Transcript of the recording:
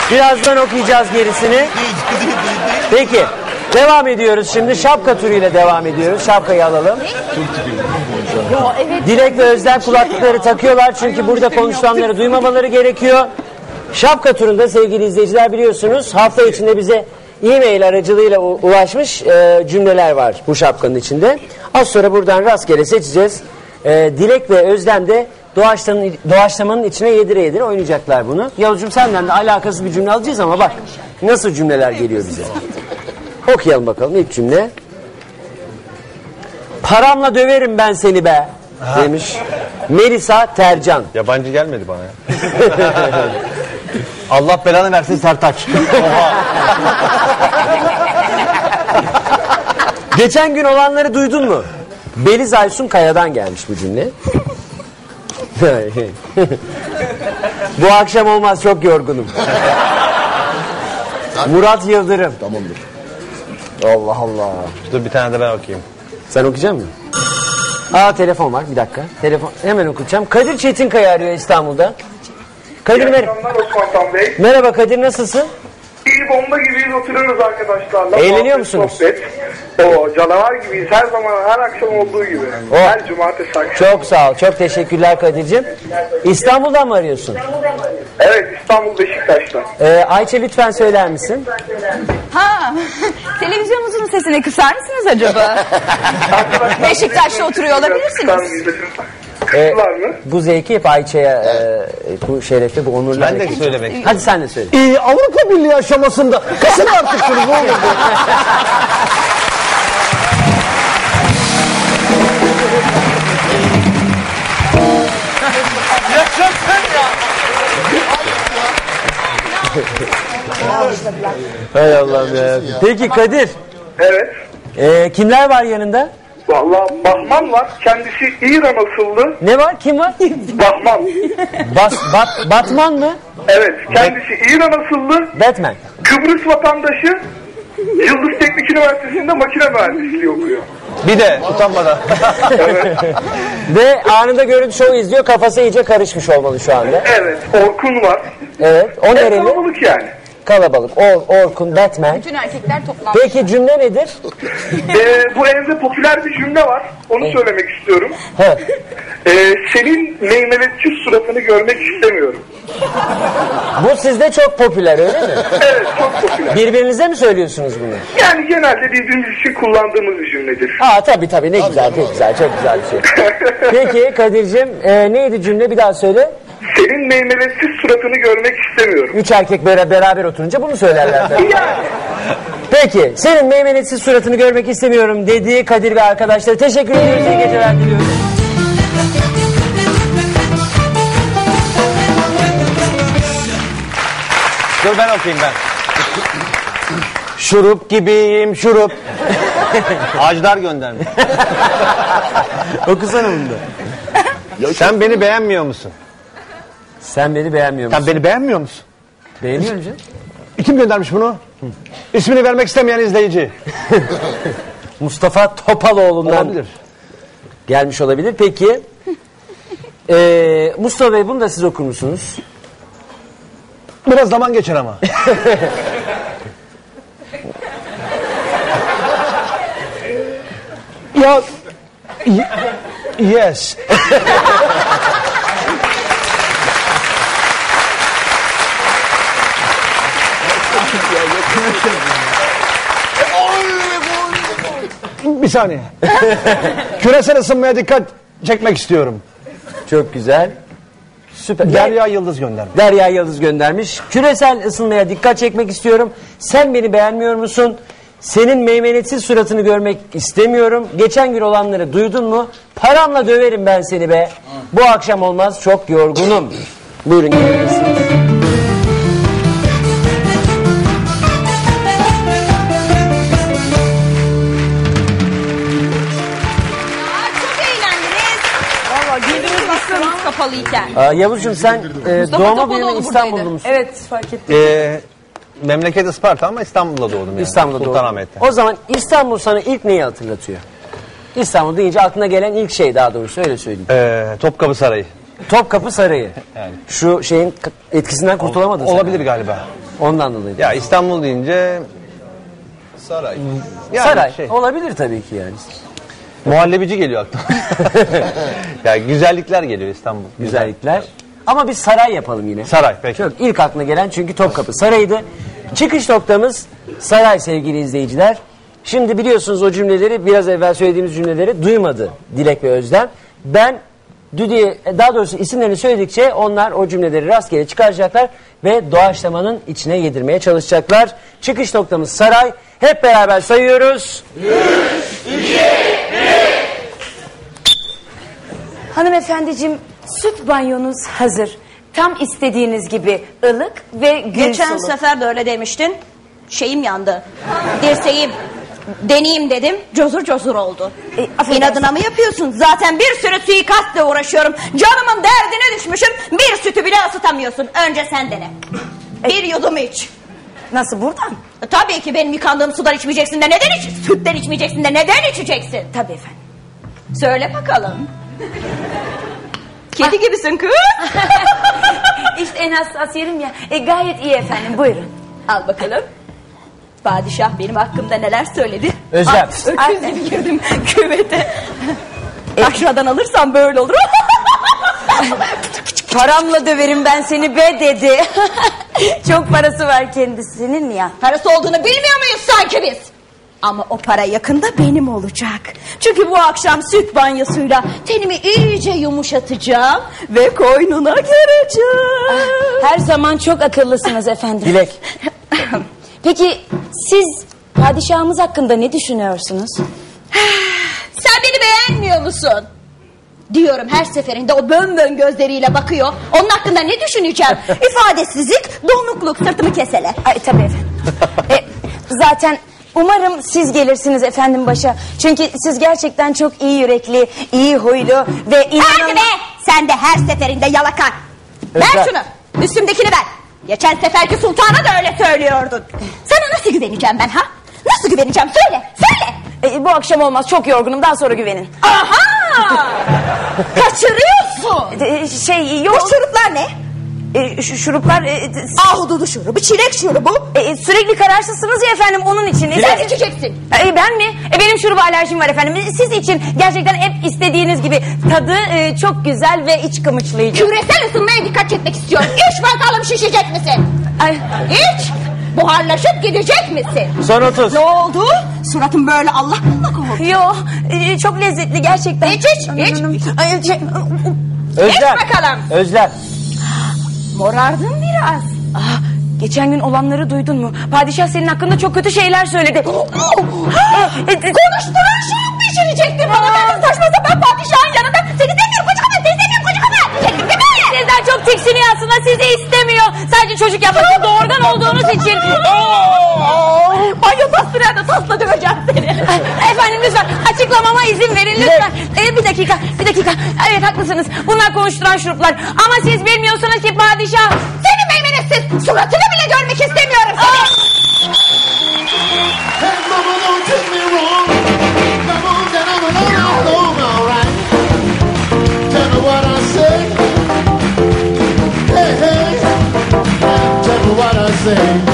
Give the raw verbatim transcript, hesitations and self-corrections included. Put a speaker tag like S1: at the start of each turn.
S1: Birazdan okuyacağız gerisini. Peki. Devam ediyoruz şimdi. Şapka turuyla devam ediyoruz. Şapkayı alalım. Dilek ve Özlem kulaklıkları takıyorlar. Çünkü burada konuşulanları duymamaları gerekiyor. Şapka turunda sevgili izleyiciler biliyorsunuz hafta içinde bize e-mail aracılığıyla ulaşmış e, cümleler var bu şapkanın içinde. Az sonra buradan rastgele seçeceğiz. E, Dilek ve Özlem de doğaçlamanın, doğaçlamanın içine yedire yedire oynayacaklar bunu. Yavuzcuğum senden de alakasız bir cümle alacağız ama bak nasıl cümleler geliyor bize. Okuyalım bakalım ilk cümle. Paramla döverim ben seni be ha. demiş Melisa Tercan.
S2: Yabancı gelmedi bana ya. Allah belanı versin Sertaç. Oha.
S1: Geçen gün olanları duydun mu? Beliz Aysun Kaya'dan gelmiş bu cümle. Bu akşam olmaz çok yorgunum. Murat Yıldırım.
S3: Tamamdır.
S1: Allah Allah.
S2: Dur bir tane de ben okuyayım.
S1: Sen okuyacak mısın? Aa telefon var bir dakika. Telefon hemen okuyacağım. Kadir Çetinkaya arıyor İstanbul'da. Kadir mer merhaba Kadir nasılsın?
S4: İyi bomba gibiyiz oturuyoruz arkadaşlarla.
S1: Eğleniyor musunuz?
S4: Sohbet. O canavar gibiyiz her zaman her akşam olduğu gibi.
S1: Oh.
S4: Her cumartesi akşam.
S1: Çok sağ ol çok teşekkürler Kadir'cim. İstanbul'dan mı arıyorsun?
S4: Evet İstanbul Beşiktaş'ta.
S1: Ee, Ayça lütfen söyler misin?
S5: Ha, televizyonunuzun sesini kısar mısınız acaba? Beşiktaş'ta oturuyor olabilirsiniz.
S1: Ee, bu zevki hep Ayça'ya e, bu şerefi bu onurlu.
S2: Ben de söylemek.
S1: Hadi sen de söyle.
S3: Ee, Avrupa Birliği aşamasında kısın artık şunu ne olur.
S1: Hay Allah'ım ya. Peki Kadir.
S4: Evet.
S1: E, kimler var yanında?
S4: Vallahi Bahman var. Kendisi İran asıllı.
S1: Ne var? Kim var?
S4: Bahman.
S1: Bas, bat, Batman mı?
S4: Evet. Kendisi İran asıllı.
S1: Batman.
S4: Kıbrıs vatandaşı. Yıldız Teknik Üniversitesi'nde makine mühendisliği okuyor.
S2: Bir de utanmadan.
S4: Evet.
S1: Ve anında görüntü şovu izliyor. Kafası iyice karışmış olmalı şu anda.
S4: Evet. Orkun var.
S1: Evet. O nereli?
S4: Kalabalık yani.
S1: Kalabalık. Or, Orkun, Batman.
S5: Bütün erkekler toplanmış.
S1: Peki cümle nedir?
S4: Ee, bu evde popüler bir cümle var. Onu evet. söylemek istiyorum.
S1: He.
S4: Ee, senin meymeletçi suratını görmek istemiyorum.
S1: Bu sizde çok popüler öyle mi?
S4: Evet çok popüler.
S1: Birbirinize mi söylüyorsunuz bunu?
S4: Yani genelde birbirimiz için kullandığımız bir cümledir.
S1: Aa tabii tabii ne güzel çok güzel çok güzel bir şey. Peki Kadir'cim e, neydi cümle bir daha söyle.
S4: Senin meymeletçi suratını görmek istemiyorum.
S1: Üç erkek böyle beraber oturunca bunu söylerler.
S4: Yani.
S1: Peki senin meymenetsiz suratını görmek istemiyorum dediği Kadir ve arkadaşları teşekkür ediyoruz. İyi geceler diliyoruz.
S2: Dur ben okuyayım ben. Şurup gibiyim şurup. Ajdar göndermiş.
S1: Okusana bunu da.
S2: Sen beni beğenmiyor musun?
S1: Sen beni beğenmiyor musun?
S2: Sen beni beğenmiyor musun?
S1: Beğeniyorum canım.
S2: Kim göndermiş bunu? Hı. İsmini vermek istemeyen izleyici.
S1: Mustafa Topaloğlu'ndan
S2: olabilir.
S1: Gelmiş olabilir. Peki ee, Mustafa Bey bunu da siz okur musunuz?
S2: Biraz zaman geçer ama. Ya yes. Bir saniye. Küresel ısınmaya dikkat çekmek istiyorum.
S1: Çok güzel. Süper.
S2: Derya Yıldız göndermiş.
S1: Derya Yıldız göndermiş. Küresel ısınmaya dikkat çekmek istiyorum. Sen beni beğenmiyor musun? Senin meymenetsiz suratını görmek istemiyorum. Geçen gün olanları duydun mu? Paramla döverim ben seni be. Bu akşam olmaz çok yorgunum. Buyurun gelebilirsiniz.
S5: Kapalıyken.
S1: Aa, Yavuzcuğum sen e, doğma büyüme İstanbul'da mısın?
S5: Evet fark ettim.
S2: Ee, memleket Isparta ama İstanbul'da doğdum yani.
S1: İstanbul'da doğdum.
S2: Sultanahmet'te.
S1: O zaman İstanbul sana ilk neyi hatırlatıyor? İstanbul deyince aklına gelen ilk şey daha doğrusu öyle söyleyeyim.
S2: Ee, Topkapı Sarayı.
S1: Topkapı Sarayı.
S2: Yani.
S1: Şu şeyin etkisinden kurtulamadın sen.
S2: Olabilir galiba.
S1: Ondan dolayı.
S2: Ya İstanbul deyince
S6: Saray.
S2: yani
S1: Saray.
S2: şey,
S1: Olabilir tabii ki yani.
S2: muhallebici geliyor aklıma. Ya güzellikler geliyor İstanbul.
S1: Güzellikler. Ama biz saray yapalım yine.
S2: Saray peki.
S1: Çok ilk aklına gelen çünkü Topkapı Sarayı'ydı. Çıkış noktamız saray sevgili izleyiciler. Şimdi biliyorsunuz o cümleleri, biraz evvel söylediğimiz cümleleri duymadı Dilek ve Özlem. Ben Düdü'ye, daha doğrusu isimlerini söyledikçe onlar o cümleleri rastgele çıkaracaklar ve doğaçlamanın içine yedirmeye çalışacaklar. Çıkış noktamız saray. Hep beraber sayıyoruz.
S6: üç, iki, bir.
S7: Hanımefendiciğim, süt banyonuz hazır. Tam istediğiniz gibi ılık ve gül
S5: Geçen
S7: sulu.
S5: sefer de öyle demiştin. Şeyim yandı. Dirseğim. Deneyeyim dedim. Cozur cozur oldu.
S7: E, affedersin.
S5: İnadına mı yapıyorsun? Zaten bir sürü suikastla uğraşıyorum. Canımın derdine düşmüşüm. Bir sütü bile ısıtamıyorsun. Önce sen dene. Bir yudum iç.
S7: Nasıl, buradan?
S5: E, Tabii ki benim yıkandığım sudan içmeyeceksin de neden iç? Sütten içmeyeceksin de neden içeceksin?
S7: Tabii efendim.
S5: Söyle bakalım. Kedi gibisin kız.
S7: İşte en hassas yerim ya. E, gayet iyi efendim, buyurun.
S5: Al bakalım. Padişah benim hakkımda neler söyledi?
S1: Özlem.
S5: Ah, öküz gibi girdim küvete. Aşağıdan alırsam böyle olur.
S7: Paramla döverim ben seni be dedi. Çok parası var kendisinin ya.
S5: Parası olduğunu bilmiyor muyuz sanki biz? Ama o para yakında benim olacak. Çünkü bu akşam süt banyosuyla tenimi iyice yumuşatacağım ve koynuna gireceğim.
S7: Her zaman çok akıllısınız efendim.
S1: Dilek.
S7: Peki siz padişahımız hakkında ne düşünüyorsunuz?
S5: Sen beni beğenmiyor musun? Diyorum, her seferinde o bön bön gözleriyle bakıyor. Onun hakkında ne düşüneceğim? İfadesizlik, donukluk, sırtımı kesele.
S7: Ay tabii efendim. e, zaten umarım siz gelirsiniz efendim başa. Çünkü siz gerçekten çok iyi yürekli, iyi huylu ve inanılmaz...
S5: Hadi be! Sen de her seferinde yalaka. Ver
S1: Özlem.
S5: şunu. Üstümdekini ver. Geçen seferki sultana da öyle söylüyordun. Sana nasıl güveneceğim ben ha? Nasıl güveneceğim? Söyle, söyle.
S7: E, bu akşam olmaz, çok yorgunum, daha sonra güvenin.
S5: Aha! Kaçırıyorsun.
S7: E, şey
S5: Bu
S7: yok.
S5: şuruplar ne?
S7: E, şu şuruplar... E,
S5: Ahududu şurubu, çilek şurubu.
S7: e, sürekli kararsızsınız ya efendim, onun için. E,
S5: Sen içeceksin.
S7: E, ben mi? E, benim şuruba alerjim var efendim. E, Siz için gerçekten hep istediğiniz gibi. Tadı e, çok güzel ve iç kımıçlayıcı.
S5: Küresel ısınmaya dikkat çekmek istiyorum. İç bakalım, şişecek misin?
S7: Ay,
S5: İç. Buharlaşıp gidecek misin?
S1: Son otuz.
S5: Ne oldu? Suratın böyle Allah kullak oldu.
S7: yo, e, çok lezzetli gerçekten.
S5: İç, iç, iç.
S7: Ay, şey,
S1: Özlem.
S5: İç bakalım.
S1: Özlem.
S5: Morardın biraz.
S7: ah, geçen gün olanları duydun mu? Padişah senin hakkında çok kötü şeyler söyledi.
S5: Konuşturan şurup pişirecektin bana. Ben saçma sapan padişahın yanında. Seni demiyorum koca kadar, seni demiyorum koca kadar. Diyecektin değil mi?
S7: Sizden çok tiksiniyor aslında, sizi istemiyor. Sadece çocuk yapmak için, doğurgan olduğunuz için.
S5: Banyo tasdıraya da tasla döveceğim seni.
S7: Efendim lütfen açıklamama izin verin lütfen. Ee, bir dakika, bir dakika. Evet haklısınız. Bunlar konuşturan şuruplar. Ama siz bilmiyorsunuz ki padişah...
S5: Seni meymenetsiz, suratını bile görmek istemiyorum seni.
S8: Hey, mama, don't take me wrong. Come on, then I'm alone, alright. Tell me what I say. Hey, hey, tell me what I say.